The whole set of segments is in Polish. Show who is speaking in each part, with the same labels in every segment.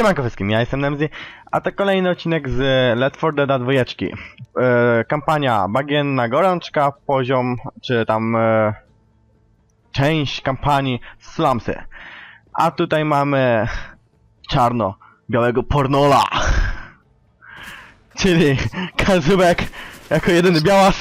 Speaker 1: Siemanko wszystkim, ja jestem Nemzy, a to kolejny odcinek z Left 4 Dead 2. Kampania Bagienna Gorączka, poziom, czy tam część kampanii Slumsy. A tutaj mamy czarno-białego pornola, czyli Kazubek jako jedyny białas,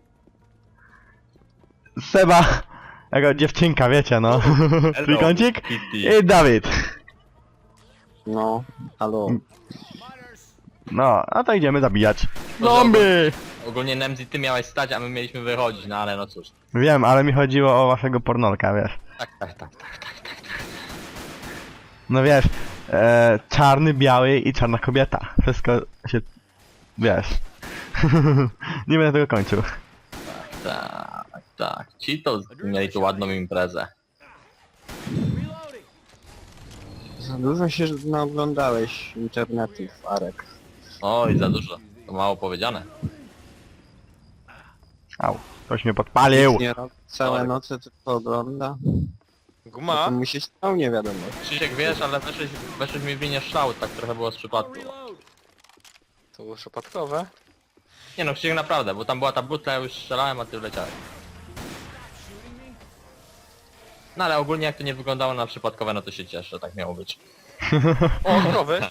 Speaker 1: Seba jako dziewczynka, wiecie no, trójkącik, i Dawid.
Speaker 2: No, halo.
Speaker 1: No, a to idziemy zabijać zombie!
Speaker 3: Ogólnie Nemzi, ty miałeś stać, a my mieliśmy wychodzić, no ale no cóż.
Speaker 1: Wiem, ale mi chodziło o waszego pornolka, wiesz.
Speaker 3: Tak.
Speaker 1: No wiesz, czarny, biały i czarna kobieta. Wszystko się... wiesz. Nie będę tego kończył.
Speaker 3: Tak. Ci to mieli tu ładną imprezę.
Speaker 2: Za dużo się naoglądałeś internetów, Arek.
Speaker 3: Oj, za dużo. To mało powiedziane.
Speaker 1: Au, ktoś mnie podpalił.
Speaker 2: Nie robi całe noce, tylko ogląda.
Speaker 4: Guma?
Speaker 2: To mu się stał, nie wiadomo.
Speaker 3: Krzysiek, wiesz, ale weszłeś mi w linię szału, tak trochę było z przypadku.
Speaker 4: To było przypadkowe?
Speaker 3: Nie no, Krzysiek naprawdę, bo tam była ta butla, ja już strzelałem, a ty wleciałeś. No ale ogólnie jak to nie wyglądało na przypadkowe, no to się cieszę, tak miało być.
Speaker 4: O, krowy!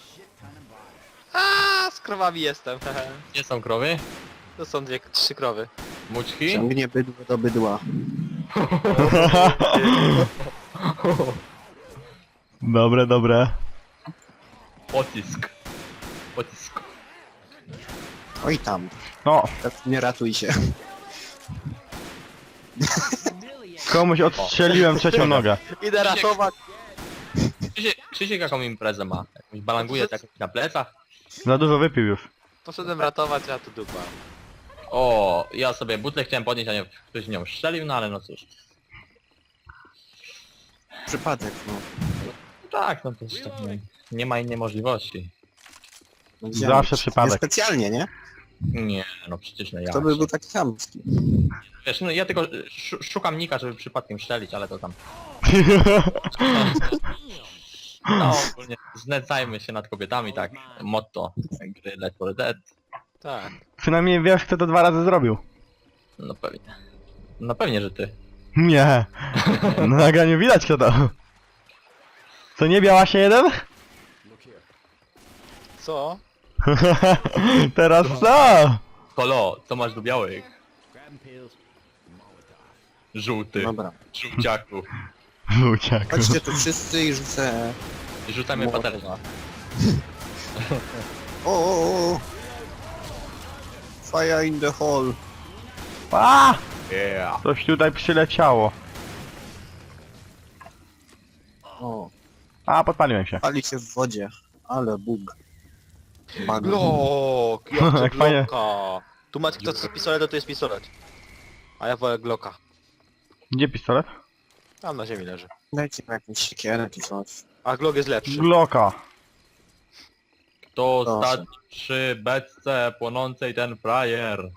Speaker 4: A, z krowami jestem.
Speaker 3: Gdzie są krowy?
Speaker 4: To są trzy krowy.
Speaker 3: Mućki?
Speaker 2: Ciągnie bydło do bydła.
Speaker 1: Dobre.
Speaker 3: Pocisk.
Speaker 2: Oj tam,
Speaker 1: O,
Speaker 2: nie ratuj się.
Speaker 1: komuś odstrzeliłem trzecią nogę.
Speaker 4: Idę ratować.
Speaker 3: Krzysiek jaką imprezę ma? Jakąś balanguje tak na plecach?
Speaker 1: Za dużo wypił już.
Speaker 4: Poszedłem ratować, a tu dupa.
Speaker 3: O, ja sobie butlę chciałem podnieść, a nie ktoś nią strzelił, no ale no cóż.
Speaker 2: Przypadek, no.
Speaker 3: Tak, no to jest tak, no, nie ma innej możliwości.
Speaker 2: No gdzie
Speaker 1: Zawsze
Speaker 2: on-
Speaker 1: przypadek.
Speaker 2: Nie specjalnie, nie?
Speaker 3: Nie, no przecież nie ja.
Speaker 2: To by był taki chamski.
Speaker 3: Wiesz, no ja tylko szukam nika, żeby przypadkiem strzelić, ale to tam... No, ogólnie znęcajmy się nad kobietami, tak, motto gry Left 4 Dead.
Speaker 4: Tak.
Speaker 1: Przynajmniej wiesz, kto to 2 razy zrobił.
Speaker 3: No pewnie. No pewnie, że ty.
Speaker 1: Nie. Na nagraniu widać kto to. Co, nie biała się jeden?
Speaker 4: Co?
Speaker 1: Teraz co?
Speaker 3: Kolo, co masz do białych? Żółty,
Speaker 2: Dobra.
Speaker 3: żółciaku.
Speaker 1: Uciekł.
Speaker 2: Chodźcie tu wszyscy i rzucę...
Speaker 3: I rzucamy patelnia.
Speaker 2: O. Fire in the hole.
Speaker 1: A!
Speaker 3: Yeah.
Speaker 1: Coś tutaj przyleciało.
Speaker 2: O,
Speaker 1: A, podpaliłem się.
Speaker 2: pali się w wodzie. Ale bug. Bug.
Speaker 4: Glok!
Speaker 1: Jak
Speaker 4: Jak
Speaker 1: fajnie.
Speaker 4: Glocka! Tu macie kto chce pistolet, to jest pistolet. A ja wolę Glocka.
Speaker 1: Gdzie pistolet?
Speaker 4: Tam na ziemi leży.
Speaker 2: Dajcie mi jakąś siekierę czy coś.
Speaker 4: A Glock jest lepszy.
Speaker 1: Glocka.
Speaker 3: Kto
Speaker 2: Proszę.
Speaker 3: stać przy beczce płonącej ten frajer?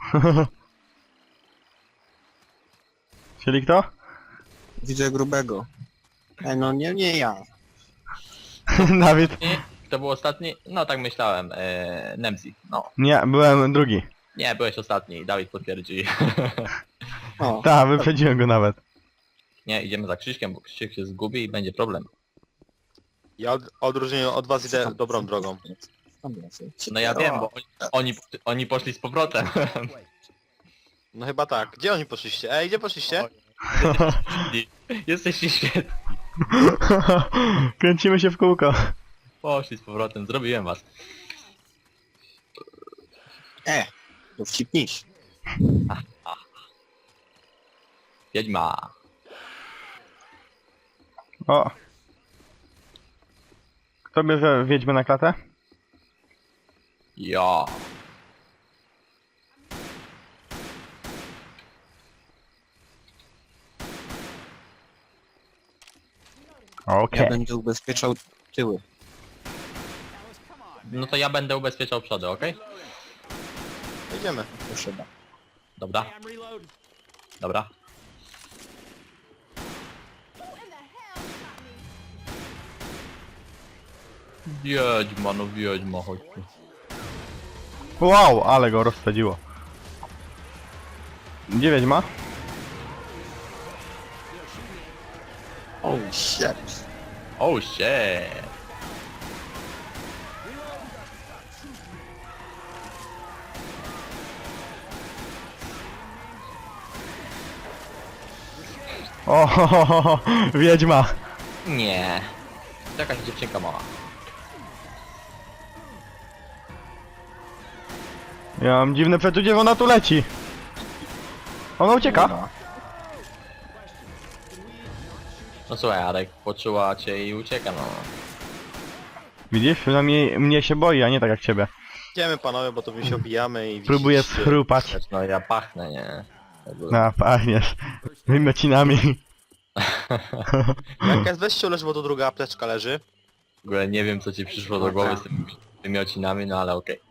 Speaker 1: Czyli kto?
Speaker 2: Widzę grubego. No nie ja.
Speaker 1: Dawid.
Speaker 3: Nie? Kto był ostatni? No tak myślałem, Nemzi. No.
Speaker 1: Nie, byłem drugi.
Speaker 3: Nie, byłeś ostatni, Dawid potwierdzi.
Speaker 2: O,
Speaker 1: Tak, wyprzedziłem go nawet.
Speaker 3: Nie, idziemy za Krzyśkiem, bo Krzysiek się zgubi i będzie problem.
Speaker 4: Ja odróżnieniu od was idę dobrą drogą.
Speaker 3: No ja wiem, bo oni poszli z powrotem.
Speaker 4: No chyba tak. Gdzie oni poszliście? Ej, gdzie poszliście?
Speaker 3: Jesteście świetni.
Speaker 1: Kręcimy się w kółko.
Speaker 3: Poszli z powrotem, zrobiłem was.
Speaker 2: Dowcipniś.
Speaker 3: Wiedźma.
Speaker 1: O. Kto bierze wiedźmę na klatę?
Speaker 3: Ja.
Speaker 1: Okej.
Speaker 2: Ja będę ubezpieczał tyły.
Speaker 3: No to ja będę ubezpieczał przody, okej?
Speaker 4: Idziemy.
Speaker 2: Proszę bardzo.
Speaker 3: Dobra. Dobra. Wiedźma, no wiedźma, chodź tu.
Speaker 1: Wow, ale go rozsadziło. Gdzie wiedźma?
Speaker 2: Oh shit.
Speaker 3: Oh shit.
Speaker 1: O, wiedźma.
Speaker 3: Nie. To jakaś dziewczynka mała.
Speaker 1: Ja mam dziwne przeczucie, że ona tu leci. Ona ucieka.
Speaker 2: Dobra.
Speaker 3: No słuchaj, Arek poczuła cię i ucieka, no.
Speaker 1: Widzisz? Przynajmniej mnie się boi, a nie tak jak ciebie.
Speaker 4: Idziemy panowie, bo to my się obijamy i
Speaker 1: Próbuję
Speaker 4: widzicie-
Speaker 1: schrupać.
Speaker 3: No ja pachnę, nie.
Speaker 1: No, pachniesz. Wymiocinami.
Speaker 4: Jak jest weźcie leży, bo tu druga apteczka leży.
Speaker 3: W ogóle nie wiem co ci przyszło do głowy z tymi wymiocinami, no ale okej.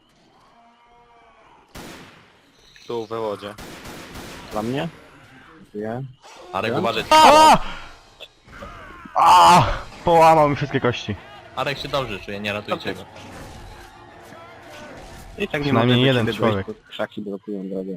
Speaker 4: Tu we wodzie.
Speaker 2: Dla mnie? Wie?
Speaker 3: Arek
Speaker 2: Ja?
Speaker 3: uważaj.
Speaker 1: A! A! Połamał mi wszystkie kości.
Speaker 3: Arek się dobrze czuje, nie ratujcie go.
Speaker 2: I tak nie
Speaker 1: Przynajmniej
Speaker 2: mogę do
Speaker 1: jeden
Speaker 2: ciebie
Speaker 1: człowiek.
Speaker 2: dojść, bo krzaki blokują drogę.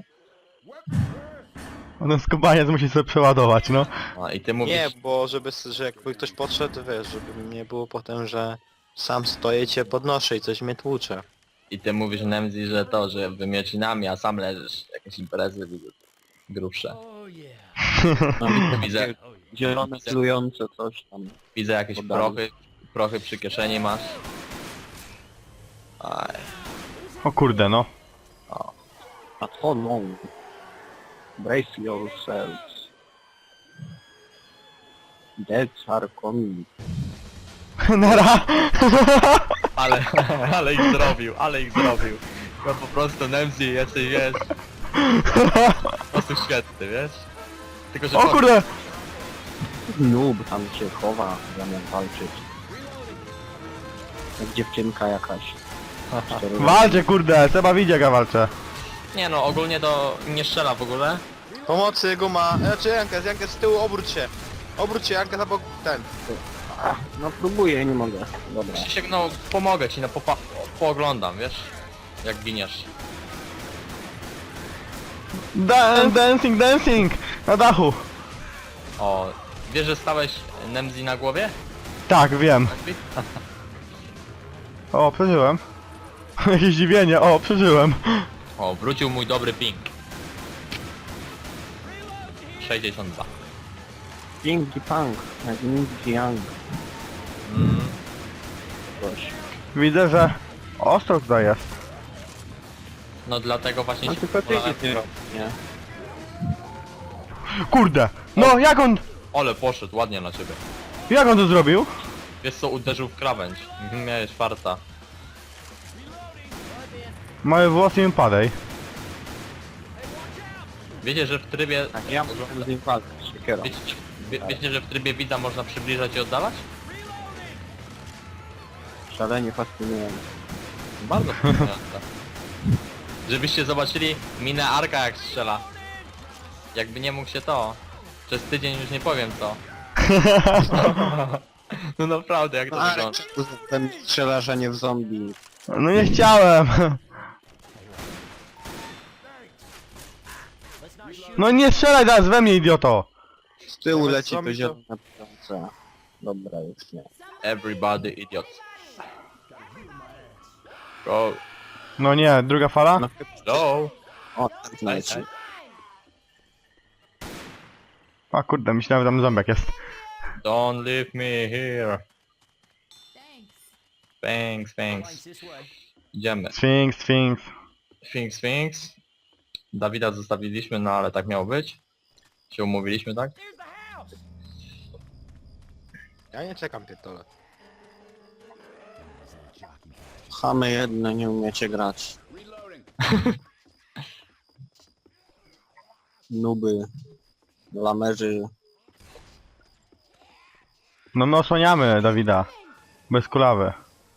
Speaker 1: Ten skubaniec musi sobie przeładować, no.
Speaker 3: No i ty mówisz,
Speaker 4: Nie, bo że jakby ktoś podszedł, wiesz, żeby nie było potem, że sam stoję, cię podnoszę i coś mnie tłucze.
Speaker 3: i ty mówisz Nemzi, że to, że wymiocinami, a sam leżysz. Jakieś imprezy widzę. Grubsze. Widzę,
Speaker 2: Zielone, celujące coś tam.
Speaker 3: widzę jakieś
Speaker 2: Podali.
Speaker 3: prochy przy kieszeni masz. Aj,
Speaker 1: O kurde, no.
Speaker 2: A to no. Brace yourselves. Deaths are coming.
Speaker 1: Nara!
Speaker 3: ale ich zrobił, ale ich zrobił. No po prostu Nemzi jesteś, wiesz. Po prostu świetny, wiesz. Tylko, że
Speaker 1: O kurde!
Speaker 2: Noob tam się chowa, zamiast walczyć. Jak dziewczynka jakaś.
Speaker 1: Walcie, kurde! Seba widzi jak ja walczę.
Speaker 3: Nie no, ogólnie to nie strzela w ogóle.
Speaker 4: Pomocy, guma! Znaczy Jankes z tyłu, obróć się! Obróć się, Jankes, albo ten.
Speaker 2: No próbuję, nie mogę. Dobra.
Speaker 3: Krzysiek, no pomogę ci, no pooglądam, wiesz? Jak giniesz.
Speaker 1: Dancing, dancing! Na dachu!
Speaker 3: O, wiesz, że stałeś Nemzi na głowie?
Speaker 1: Tak, wiem. O, przeżyłem. Jakieś zdziwienie, o, przeżyłem.
Speaker 3: O, wrócił mój dobry ping. 62.
Speaker 2: Pinky Punk, jak Ninja Young.
Speaker 3: Mm,
Speaker 2: Coś.
Speaker 1: Widzę, że ostro tutaj jest.
Speaker 3: no dlatego właśnie
Speaker 2: No
Speaker 3: się
Speaker 2: tylko ty
Speaker 3: wolałem-
Speaker 2: nie.
Speaker 1: Kurde! No,
Speaker 3: Ale poszedł, ładnie na ciebie.
Speaker 1: jak on to zrobił?
Speaker 3: Wiesz co, uderzył w krawędź. Miałeś farta.
Speaker 1: Małe włosy mi padej.
Speaker 3: Wiecie, że w trybie...
Speaker 2: Tak, ja muszę z nim walczyć, siekierą.
Speaker 3: Wiecie, że w trybie widza można przybliżać i oddalać?
Speaker 2: Szalenie fascynujące.
Speaker 3: Bardzo fascynujące. Żebyście zobaczyli minę Arka jak strzela. Jakby nie mógł się to. Przez tydzień już nie powiem co. No naprawdę, jak to wygląda.
Speaker 2: Ten strzelasz, a nie w zombie.
Speaker 1: No nie chciałem. No nie strzelaj teraz we mnie, idioto!
Speaker 2: Z tyłu
Speaker 4: Nawet
Speaker 2: leci to
Speaker 4: zombie to-
Speaker 2: zielone ptące. Dobra, już nie.
Speaker 3: Everybody idiot. Go.
Speaker 1: No nie, druga fala?
Speaker 2: No,
Speaker 3: Go.
Speaker 2: o, tak leci.
Speaker 1: A kurde, myślałem, że tam zombiak jest.
Speaker 3: Don't leave me here. Thanks. Idziemy.
Speaker 1: Sphinx.
Speaker 3: Sphinx. Dawida zostawiliśmy, no ale tak miało być. Się umówiliśmy, tak?
Speaker 4: Ja nie czekam, pierdolę.
Speaker 2: Chamy jedne, nie umiecie grać. Nuby. Lamerzy.
Speaker 1: No my osłaniamy Dawida. Bez kulawy.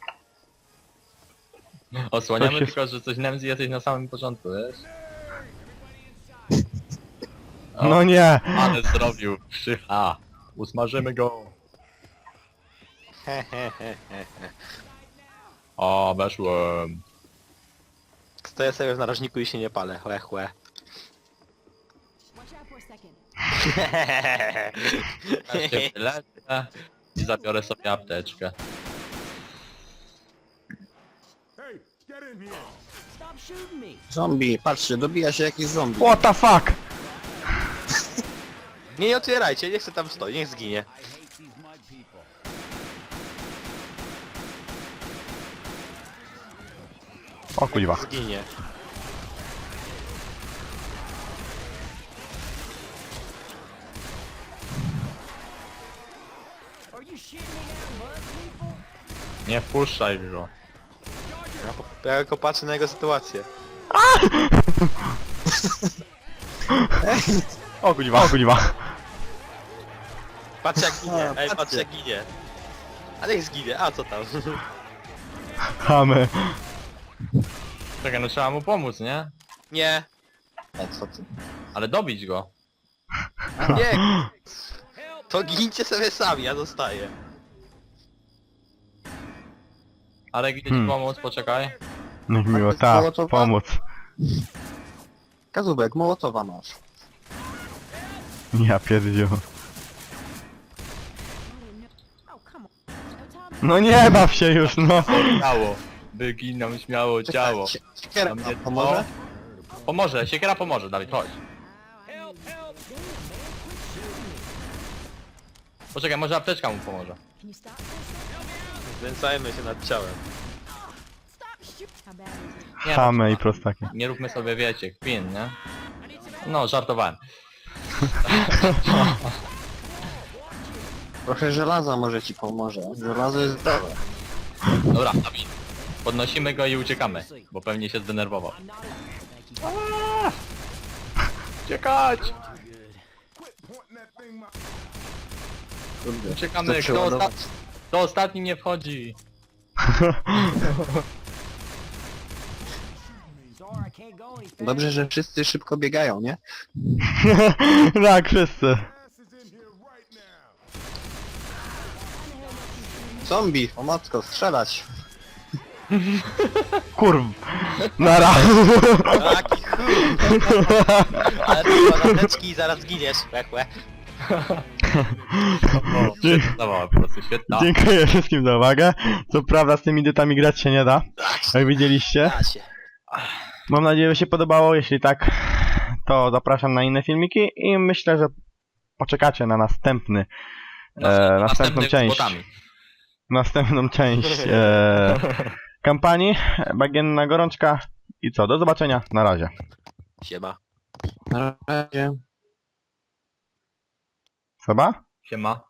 Speaker 3: Osłaniamy
Speaker 1: Coś się-
Speaker 3: tylko, że coś Nemzi jesteś na samym początku, wiesz? O.
Speaker 1: No nie!
Speaker 3: Ale zrobił. Usmażymy go. O, weszłem.
Speaker 4: Stoję sobie w narożniku i się nie palę, chłe chłe.
Speaker 5: Watch out for a second.
Speaker 3: Ja się wyleczę i zabiorę sobie apteczkę.
Speaker 5: Stop shooting me.
Speaker 2: Zombie, patrzcie, dobija się jakiś zombie.
Speaker 1: What the fuck?
Speaker 4: Nie otwierajcie, niech se tam stoi, niech zginie.
Speaker 1: O kuźwa.
Speaker 4: Zginie.
Speaker 5: Are you shitting me now, mud people?
Speaker 3: Nie wpuszczaj go.
Speaker 4: Ja tylko patrzę na jego sytuację.
Speaker 1: O kuźwa. O kuźwa.
Speaker 4: Patrz jak ginie,
Speaker 2: A,
Speaker 4: ej, patrz
Speaker 2: patrzcie.
Speaker 4: jak ginie. A niech zginie, a co tam?
Speaker 1: Chamy.
Speaker 3: Czekaj, no trzeba mu pomóc, nie?
Speaker 4: Nie,
Speaker 2: Co ty?
Speaker 3: Ale dobić go.
Speaker 4: nie. To gincie sobie sami, ja zostaję.
Speaker 3: Ale gdzie ci pomóc, poczekaj.
Speaker 1: Niech miło,
Speaker 2: jest
Speaker 1: tak,
Speaker 2: Mołotowa?
Speaker 1: pomóc.
Speaker 2: Kazubek, Mołotowa masz.
Speaker 1: Ja pierdziu.
Speaker 5: Oh, come on. No time.
Speaker 1: No nie baw się już, no.
Speaker 3: Ciało. Wyginam śmiało ciało.
Speaker 2: Siekierka
Speaker 3: Dla mnie
Speaker 2: pomoże?
Speaker 3: Pomoże, siekiera pomoże, Dawid, chodź. Poczekaj, może apteczka mu pomoże.
Speaker 5: Can you stop for a second?
Speaker 4: Znęcajmy się nad ciałem.
Speaker 5: Stop shooting. How bad is it?
Speaker 3: Nie,
Speaker 1: Chamy i prostaki.
Speaker 3: nie róbmy sobie, wiecie, kpin, nie? No, żartowałem.
Speaker 2: Trochę żelaza może ci pomoże. Żelazo jest zdrowe.
Speaker 3: Dobra, Dawid. Podnosimy go i uciekamy, bo pewnie się zdenerwował. Uciekać!
Speaker 2: Kurde.
Speaker 3: Uciekamy,
Speaker 2: To
Speaker 3: kto,
Speaker 2: przeładować.
Speaker 3: kto ostatni nie wchodzi?
Speaker 5: Sorry, I can't go any faster.
Speaker 2: Dobrze, że wszyscy szybko biegają, nie?
Speaker 1: Tak, wszyscy.
Speaker 2: Zombie, o matko, strzelać.
Speaker 1: Kurw. Nara.
Speaker 4: Taki chuj! Ale ty palateczki i zaraz giniesz, chłe chłe.
Speaker 3: O, świetna, po prostu świetna.
Speaker 1: Dziękuję wszystkim za uwagę. Co prawda z tymi dytami grać się nie da, jak widzieliście.
Speaker 4: Da się.
Speaker 1: Mam nadzieję, że się podobało. Jeśli tak, to zapraszam na inne filmiki i myślę, że poczekacie na następną
Speaker 3: Następnych
Speaker 1: część.
Speaker 3: z botami.
Speaker 1: Następną część kampanii. Bagienna gorączka. I co? Do zobaczenia. Na razie.
Speaker 4: Siema.
Speaker 2: Na razie.
Speaker 1: Seba?
Speaker 3: Siema.